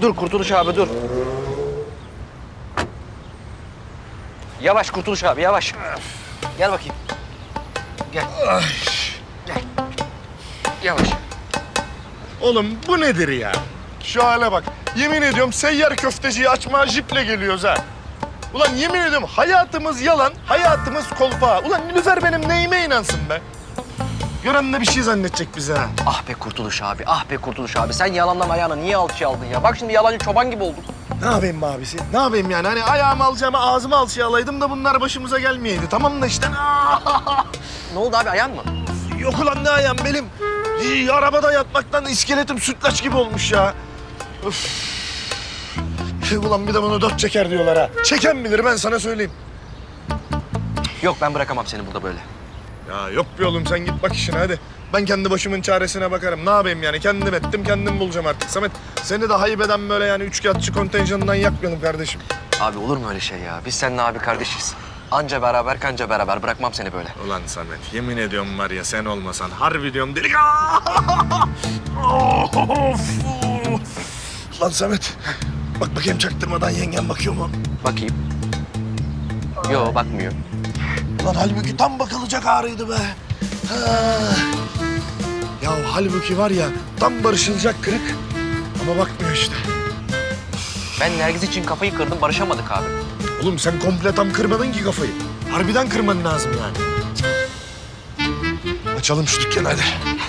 Dur Kurtuluş abi dur. Yavaş Kurtuluş abi yavaş. Gel bakayım. Gel. Gel. Yavaş. Oğlum bu nedir ya? Şu hale bak. Yemin ediyorum seyyar köfteciyi açmaya jiple geliyoruz ha. Ulan yemin ediyorum hayatımız yalan, hayatımız kolpa. Ulan Nilüfer benim neyime inansın be? Gören de bir şey zannedecek bize ha. Ah be Kurtuluş abi, ah be Kurtuluş abi. Sen yalandan ayağına niye alçıya aldın ya? Bak şimdi yalancı çoban gibi olduk. Ne yapayım be abisi? Ne yapayım yani? Hani ayağımı alacağıma ağzımı alçıya alaydım da bunlar başımıza gelmeyeydi. Tamam da işte. Ne oldu abi, ayağın mı? Yok ulan ne ayağım benim. Arabada yatmaktan iskeletim sütlaç gibi olmuş ya. Öf. Ulan bir de bunu dört çeker diyorlar ha. Çeken bilir ben sana söyleyeyim. Yok ben bırakamam seni burada böyle. Ya yok be oğlum sen git bak işine hadi. Ben kendi başımın çaresine bakarım. Ne yapayım yani? Kendim ettim, kendim bulacağım artık. Samet seni de haybeden böyle yani üçkağıtçı kontenjanından yakmayalım kardeşim. Abi olur mu öyle şey ya? Biz seninle abi kardeşiz. Anca beraber kanca beraber, bırakmam seni böyle. Ulan Samet yemin ediyorum var ya sen olmasan harbi diyorum delik. Lan Samet bak bakayım çaktırmadan yengen bakıyor mu? Bakayım. Yo bakmıyor. Lan halbuki tam bakılacak ağrıydı be. Ha. Ya halbuki var ya tam barışılacak kırık ama bakmıyor işte. Ben Nergiz için kafayı kırdım, barışamadık abi. Oğlum sen komple tam kırmadın ki kafayı. Harbiden kırman lazım yani. Açalım şu dükkanı hadi.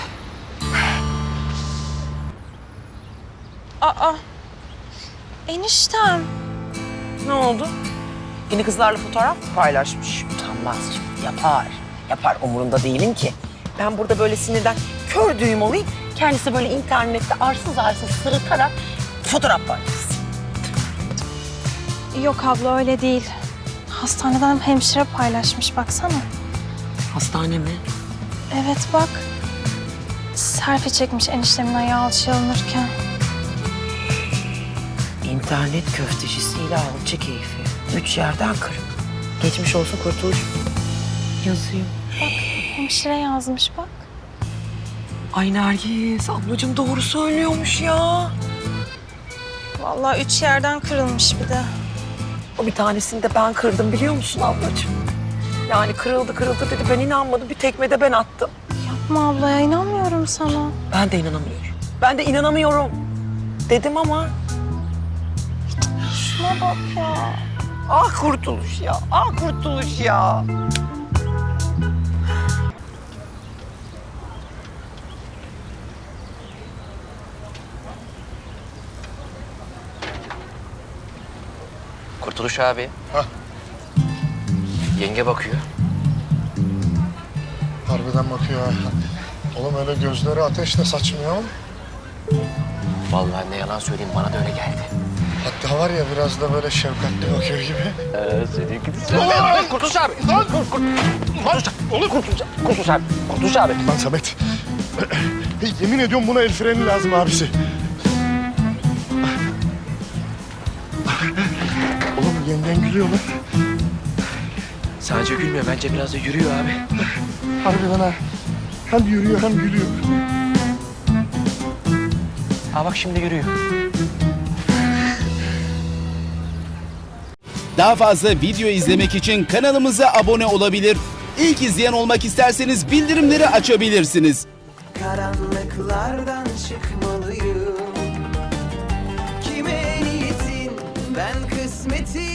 Aa, eniştem. Ne oldu? Yeni kızlarla fotoğraf mı paylaşmış? Utanmaz. Yapar. Yapar. Umurumda değilim ki. Ben burada böyle sinirden kör düğüm olayım. Kendisi böyle internette arsız arsız sırıtarak fotoğraf paylaşsın. Yok abla öyle değil. Hastaneden hemşire paylaşmış baksana. Hastane mi? Evet bak. Selfie çekmiş eniştemin ayağı alçıya alınırken. İnternet köftecisiyle alçı keyfi. 3 yerden kırık. Geçmiş olsun Kurtuluş. Yazıyor. Bak hemşire yazmış bak. Ay Nergis, ablacığım doğru söylüyormuş ya. Vallahi 3 yerden kırılmış bir de. O bir tanesini de ben kırdım biliyor musun ablacığım? Yani kırıldı dedi. Ben inanmadım. Bir tekme de ben attım. Yapma abla ya, inanmıyorum sana. Ben de inanamıyorum. Ben de inanamıyorum dedim ama... Şuna bak ya. Ah Kurtuluş ya, ah Kurtuluş ya. Kurtuluş abi. Hah. Yenge bakıyor. Harbiden bakıyor ha. Oğlum öyle gözleri ateşle saçmıyor ama. Vallahi ne yalan söyleyeyim, bana da öyle geldi. Hatta var ya biraz da böyle şefkatli bakıyor gibi. Seninki de... Kurtuluş abi! Kurtuluş abi! Kurtuluş abi! Lan Samet. Yemin ediyorum buna el freni lazım abisi. Oğlum yengen gülüyor lan. Sadece gülmüyor, bence biraz da yürüyor abi. Harbiden ha. Hem yürüyor hem gülüyor. Ha bak şimdi yürüyor. Daha fazla video izlemek için kanalımıza abone olabilir. İlk izleyen olmak isterseniz bildirimleri açabilirsiniz. Karanlıklardan çıkmalıyım. Kime niyetin ben kısmetim.